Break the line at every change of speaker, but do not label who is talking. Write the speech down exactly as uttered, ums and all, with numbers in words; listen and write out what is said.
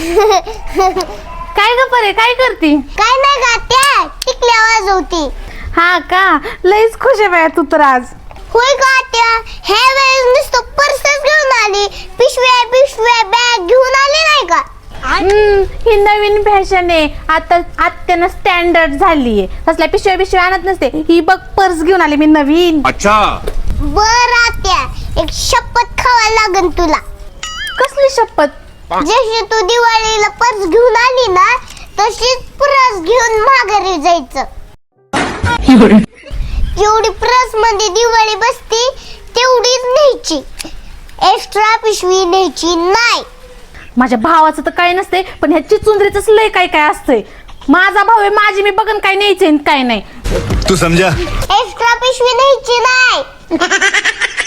काय ग परे, काय करती?
काय नाही गा, त्या टिकल्या वाजवती.
हा का, लईच खुश आहे बाया तू तर आज.
होय गा त्या, ह्या वेळेस नुसतं पर्सच घेऊन आली, पिशव्या पिशव्या बॅग घेऊन आली नाही का?
हम्म, ही नवीन फॅशन आहे आता, आत्यानं स्टँडर्ड झालीये. तसल्या पिशव्या पिशव्या आणत नसते, ही बघ पर्स घेऊन आली मी नवीन.
अच्छा
बर आत्या, एक शपथ खावा लागन तुला.
कसली शपथ?
जशी तू दिवाळीला पर्स घेऊन आली ना, तशीच पर्स घेऊन माघारी जायचं. जेवढी पर्स मध्ये दिवाळी बसती तेवढीच न्यायची, एक्स्ट्रा पिशवी न्यायची नाही.
माझ्या भावाचं तर काय नसते, पण ह्या चिचुंद्रीच लय काय काय असतंय. माझा भाऊ आहे, माझी मी बघन काय न्यायचंय काय नाही.
तू समझा.
एक्स्ट्रा पिशवी न्यायची नाही.